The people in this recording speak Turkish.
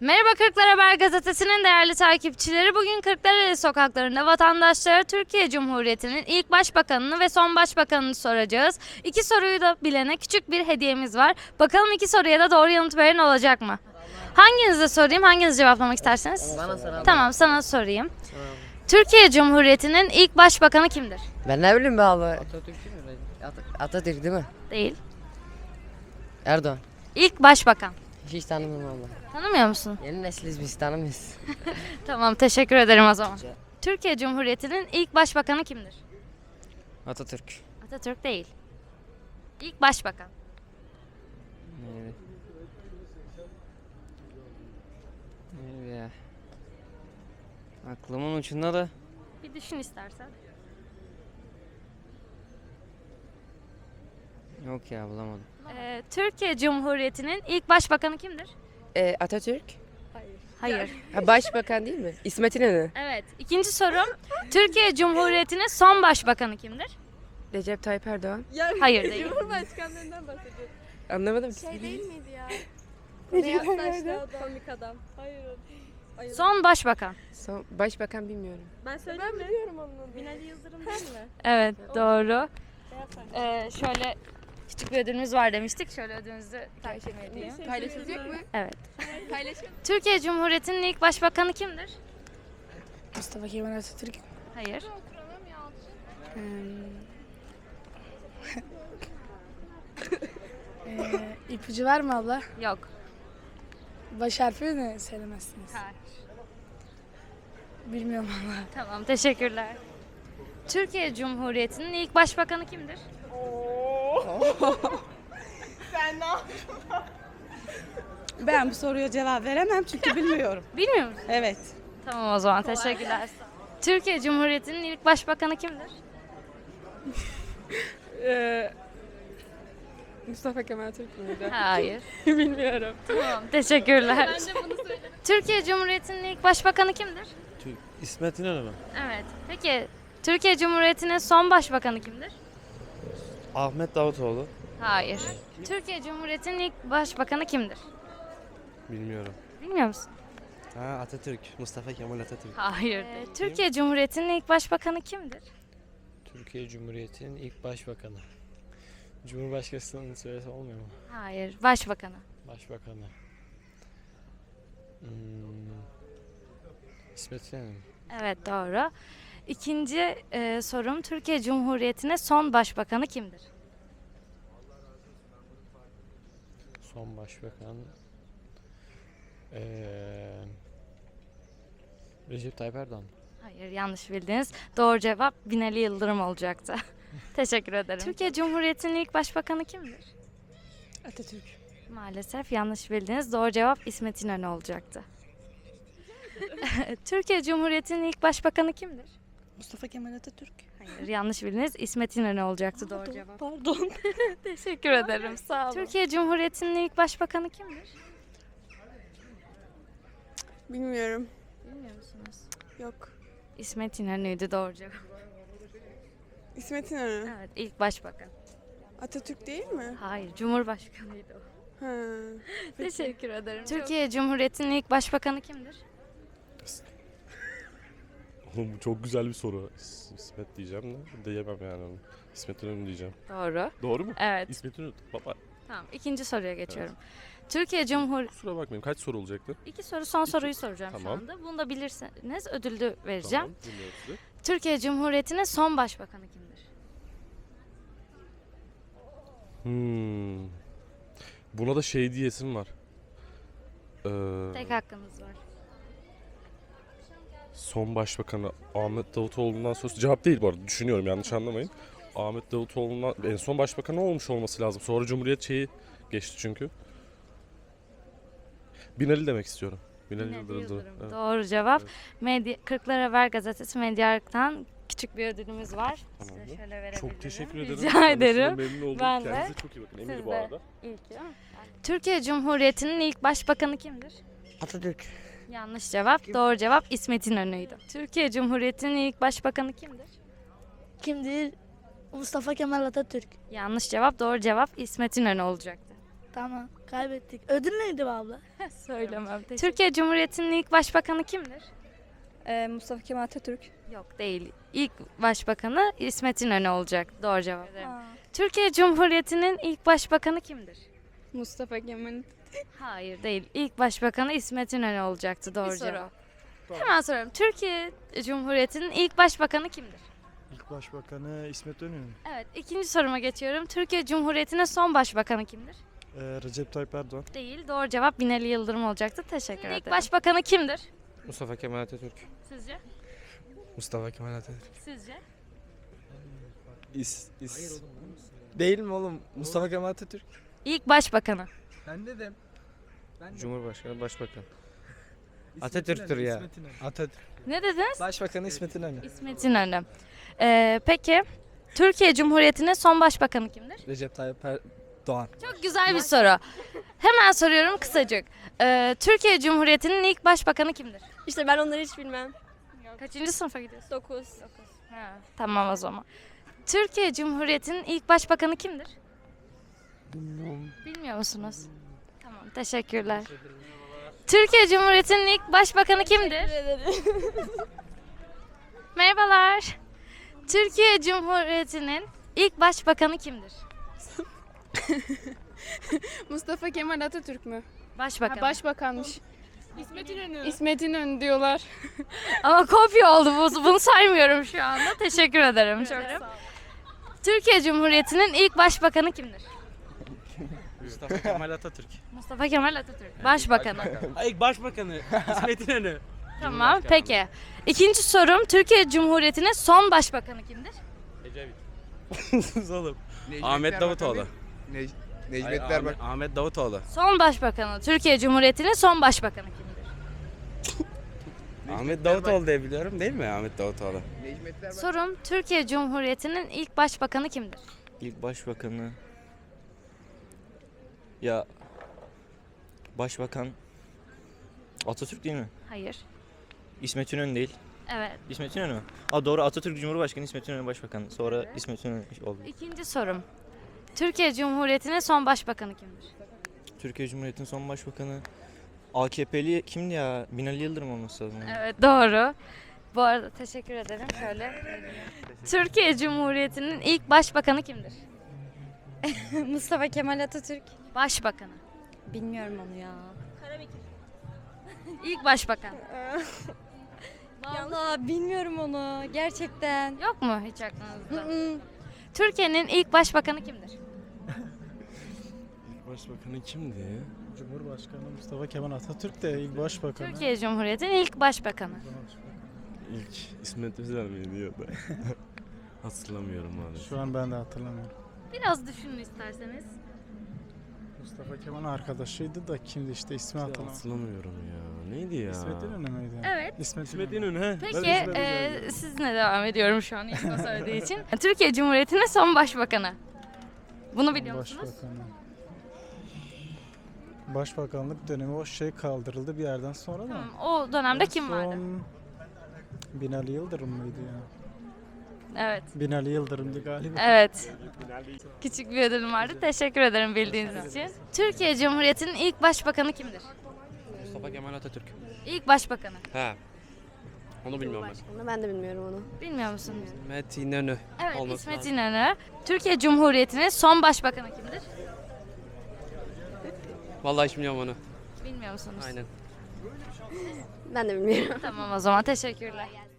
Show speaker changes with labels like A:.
A: Merhaba Kırklar Haber Gazetesi'nin değerli takipçileri. Bugün Kırklareli sokaklarında vatandaşlara Türkiye Cumhuriyeti'nin ilk başbakanını ve son başbakanını soracağız. İki soruyu da bilene küçük bir hediyemiz var. Bakalım iki soruya da doğru yanıt veren olacak mı? Hanginize sorayım, hanginiz cevaplamak isterseniz?
B: Bana soralım.
A: Tamam, sana sorayım. Türkiye Cumhuriyeti'nin ilk başbakanı kimdir?
B: Ben ne bileyim be abi. Atatürk değil mi? Atatürk değil mi?
A: Değil.
B: Erdoğan.
A: İlk başbakan.
B: Hiç tanımıyorum valla.
A: Tanımıyor musun?
B: Yeni nesiliz biz tanımıyoruz.
A: Tamam, teşekkür ederim o zaman. Türkiye Cumhuriyeti'nin ilk başbakanı kimdir?
B: Atatürk.
A: Atatürk değil. İlk başbakan.
B: Evet. Evet ya. Aklımın ucunda da.
A: Bir düşün istersen.
B: Yok ya bulamadım.
A: Türkiye Cumhuriyeti'nin ilk başbakanı kimdir?
C: Atatürk.
A: Hayır.
C: Ha, başbakan değil mi? İsmet İnönü.
A: Evet. İkinci sorum. Türkiye Cumhuriyeti'nin son başbakanı kimdir?
C: Recep Tayyip Erdoğan.
A: Hayır değil.
D: Cumhurbaşkanlarından bahsediyorum.
C: Anlamadım.
D: Şey değil miydi ya? Beyaz saçlı adam. Komik adam. Hayır o değil.
A: Son başbakan.
C: Başbakan bilmiyorum.
D: Ben söyleyeyim mi? Biliyorum onun. Binali Yıldırım değil mi?
A: Evet, doğru.
D: Beyaz saçlı.
A: Şöyle küçük bir ödülümüz var demiştik. Şöyle ödülünüzü takdim edeyim.
C: Paylaşılacak mı?
A: Evet.
C: Paylaşın.
A: Türkiye Cumhuriyeti'nin ilk başbakanı kimdir?
E: Mustafa Kemal Atatürk.
A: Hayır.
E: İpucu var mı abla?
A: Yok.
E: Baş harfi mi söylemezsiniz?
A: Hayır.
E: Bilmiyorum abla.
A: Tamam, teşekkürler. Türkiye Cumhuriyeti'nin ilk başbakanı kimdir?
F: Ben bu soruya cevap veremem çünkü bilmiyorum.
A: Bilmiyor musun?
F: Evet.
A: Tamam o zaman, teşekkürler. Türkiye Cumhuriyeti'nin ilk başbakanı kimdir?
C: Mustafa Kemal Türk müydü?
A: Hayır.
C: Bilmiyorum.
A: Tamam, teşekkürler. Türkiye Cumhuriyeti'nin ilk başbakanı kimdir?
G: İsmet İnönü mü?
A: Evet. Peki Türkiye Cumhuriyeti'nin son başbakanı kimdir?
G: Ahmet Davutoğlu.
A: Hayır. Türkiye Cumhuriyeti'nin ilk başbakanı kimdir?
G: Bilmiyorum.
A: Bilmiyor musun?
G: Ha, Atatürk. Mustafa Kemal Atatürk.
A: Hayır. Türkiye Cumhuriyeti'nin ilk başbakanı kimdir?
H: Türkiye Cumhuriyeti'nin ilk başbakanı. Cumhurbaşkanının söylese olmuyor mu?
A: Hayır. Başbakanı.
H: Başbakanı. İsmet İnönü.
A: Evet, doğru. İkinci sorum, Türkiye Cumhuriyeti'nin son başbakanı kimdir?
H: Son başbakan. Recep Tayyip Erdoğan.
A: Hayır, yanlış bildiniz. Doğru cevap Binali Yıldırım olacaktı. Teşekkür ederim. Türkiye Cumhuriyeti'nin ilk başbakanı kimdir?
E: Atatürk.
A: Maalesef yanlış bildiniz. Doğru cevap İsmet İnönü olacaktı. Türkiye Cumhuriyeti'nin ilk başbakanı kimdir?
F: Mustafa Kemal Atatürk.
A: Hayır, yanlış bildiniz. İsmet İnönü olacaktı doğru cevap.
F: Pardon.
A: Teşekkür ederim. Sağ olun. Türkiye Cumhuriyeti'nin ilk başbakanı kimdir?
C: Bilmiyorum.
A: Bilmiyor musunuz?
C: Yok.
A: İsmet İnönü'ydü doğru cevap.
C: İsmet İnönü.
A: Evet, ilk başbakan.
C: Atatürk değil mi?
A: Hayır, Cumhurbaşkanıydı o.
C: Ha.
A: Teşekkür ederim. Türkiye Cumhuriyeti'nin ilk başbakanı kimdir?
G: Oğlum bu çok güzel bir soru. İsmet diyeceğim de diyemem yani onu. İsmet İnönü diyeceğim.
A: Doğru.
G: Doğru mu?
A: Evet.
G: İsmet İnönü. Baba
A: Tamam, ikinci soruya geçiyorum. Türkiye Cumhur...
G: kusura bakmayın. Kaç soru olacaktı?
A: İki soru, son soruyu soracağım şu
G: Tamam.
A: anda. Bunu da bilirseniz ödülü vereceğim.
G: Tamam. Dinliyorum sizi.
A: Türkiye Cumhuriyeti'nin son başbakanı kimdir?
G: Buna da şey diyesim var.
A: Tek hakkınız var.
G: Son başbakanı Ahmet Davutoğlu'ndan sonra cevap değil bu arada. Düşünüyorum, yanlış anlamayın. Ahmet Davutoğlu'ndan en son başbakanı olmuş olması lazım. Sonra Cumhuriyet şeyi geçti çünkü. Binali demek istiyorum. Binali
A: Binali
G: Yıldırım.
A: Yıldırım.
G: Evet.
A: Doğru cevap.
G: Evet.
A: Kırklar Haber Gazetesi Medyark'tan küçük bir ödülümüz var. Size
G: Tamamdır.
A: şöyle verebilirim.
G: Çok teşekkür ederim.
A: Rica
G: Tanıştığıma
A: ederim.
G: Memnun oldum.
A: Ben de.
G: Kendinize çok iyi bakın. Emir
A: Siz
G: bu
A: de.
G: arada.
A: Türkiye Cumhuriyeti'nin ilk başbakanı kimdir?
B: Atatürk.
A: Yanlış cevap. Doğru cevap İsmet İnönü'ydü. Türkiye Cumhuriyeti'nin ilk başbakanı kimdir?
E: Kimdir? Mustafa Kemal Atatürk.
A: Yanlış cevap. Doğru cevap İsmet İnönü olacaktı.
E: Tamam kaybettik. Ödül neydi be abla?
A: Söylemem. Türkiye Cumhuriyeti'nin ilk başbakanı kimdir?
D: Mustafa Kemal Atatürk.
A: Yok değil. İlk başbakanı İsmet İnönü olacak. Doğru cevap. Türkiye Cumhuriyeti'nin ilk başbakanı kimdir?
C: Mustafa Kemal.
A: Hayır değil. İlk başbakanı İsmet İnönü olacaktı. Doğru
C: soru.
A: cevap. Hemen soruyorum. Türkiye Cumhuriyeti'nin ilk başbakanı kimdir?
I: İlk başbakanı İsmet İnönü.
A: Evet. İkinci soruma geçiyorum. Türkiye Cumhuriyeti'nin son başbakanı kimdir?
I: Recep Tayyip Erdoğan.
A: Değil. Doğru cevap Binali Yıldırım olacaktı. Teşekkür ederim. İlk başbakanı kimdir?
H: Mustafa Kemal Atatürk.
A: Sizce?
H: Mustafa Kemal Atatürk.
A: Sizce?
J: Değil mi oğlum? Mustafa Kemal Atatürk.
A: İlk başbakanı.
J: Ben dedim.
H: Cumhurbaşkanı, başbakan.
J: Atatürk'tür ya. Atatürk.
A: Ne dediniz?
J: Başbakanı İsmet İnönü.
A: İsmet İnönü. Peki Türkiye Cumhuriyeti'nin son başbakanı kimdir?
J: Recep Tayyip Erdoğan.
A: Çok güzel bir soru. Hemen soruyorum kısacık. Türkiye Cumhuriyeti'nin ilk başbakanı kimdir?
D: İşte ben onları hiç bilmem.
A: Kaçıncı sınıfa gidiyorsun?
D: 9.
A: Ha, tamam o zaman. Türkiye Cumhuriyeti'nin ilk başbakanı kimdir? Bilmiyor musunuz? Tamam, teşekkürler. Türkiye Cumhuriyeti'nin ilk başbakanı kimdir? Merhabalar. Türkiye Cumhuriyeti'nin ilk başbakanı kimdir?
C: Mustafa Kemal Atatürk mü?
A: Başbakan.
C: Başbakanmış. İsmet İnönü. İsmet İnönü diyorlar.
A: Ama kopya oldu bu. Bunu saymıyorum şu anda. Teşekkür ederim. Çok. Türkiye Cumhuriyeti'nin ilk başbakanı kimdir?
H: Mustafa Kemal Atatürk.
A: Mustafa Kemal Atatürk. Başbakanı.
H: İlk başbakanı İsmet İnönü.
A: Tamam, peki. İkinci sorum, Türkiye Cumhuriyeti'nin son başbakanı kimdir?
H: Sus oğlum. Ahmet Davutoğlu.
J: Necmettin Erbakan.
H: Ahmet Davutoğlu.
A: Son başbakanı, Türkiye Cumhuriyeti'nin son başbakanı kimdir?
H: Ahmet Davutoğlu diye biliyorum değil mi Ahmet Davutoğlu?
J: Necmettin Erbakan.
A: Sorum, Türkiye Cumhuriyeti'nin ilk başbakanı kimdir?
K: İlk başbakanı ya başbakan Atatürk değil mi?
A: Hayır.
K: İsmet İnönü değil.
A: Evet.
K: İsmet İnönü mü? Aa doğru Atatürk Cumhurbaşkanı İsmet İnönü başbakan. Sonra İsmet İnönü oldu.
A: İkinci sorum, Türkiye Cumhuriyeti'nin son başbakanı kimdir?
K: Türkiye Cumhuriyeti'nin son başbakanı AKP'li kimdi ya? Binali Yıldırım olması lazım.
A: Evet, doğru. Bu arada teşekkür ederim. Şöyle. Türkiye Cumhuriyeti'nin ilk başbakanı kimdir?
D: Mustafa Kemal Atatürk.
A: Başbakanı.
D: Bilmiyorum onu ya.
A: İlk başbakan.
D: Vallahi bilmiyorum onu gerçekten.
A: Yok mu hiç aklınızda? Türkiye'nin ilk başbakanı kimdir?
G: Başbakanı kimdi?
I: Cumhurbaşkanı Mustafa Kemal Atatürk de ilk başbakanı.
A: Türkiye Cumhuriyeti'nin ilk başbakanı.
G: İlk İsmet Özel miydi ya da? Hatırlamıyorum maalesef.
I: Şu an ben de hatırlamıyorum.
A: Biraz düşünün isterseniz.
I: Mustafa Kemal arkadaşıydı da kimdi işte ismi hatırlamıyorum.
G: Hatırlamıyorum ya. Neydi ya?
I: İsmet İnönü müydü?
A: Evet.
I: İsmet İnönü.
G: İnönü he.
A: Peki sizinle devam ediyorum şu an ilk o söylediği için. Türkiye Cumhuriyeti'nin son başbakanı. Bunu biliyor musunuz?
I: Başbakanı. Başbakanlık dönemi o şey kaldırıldı bir yerden sonra da.
A: Tamam, o dönemde kim vardı?
I: Son Binali Yıldırım mıydı ya?
A: Evet.
I: Binali Yıldırım'dı galiba.
A: Evet. Küçük bir ödülüm vardı. Teşekkür ederim bildiğiniz için. Türkiye Cumhuriyeti'nin ilk başbakanı kimdir?
H: Mustafa Kemal Atatürk.
A: İlk başbakanı.
H: He. Onu bilmiyorum ben.
D: Ben de bilmiyorum onu.
A: Bilmiyor musunuz?
H: İsmet İnönü.
A: Evet,
H: Olması
A: İsmet
H: lazım.
A: İnönü. Türkiye Cumhuriyeti'nin son başbakanı kimdir?
H: Vallahi hiç bilmiyorum onu.
A: Bilmiyor musunuz?
H: Aynen.
D: Ben de bilmiyorum.
A: Tamam o zaman teşekkürler.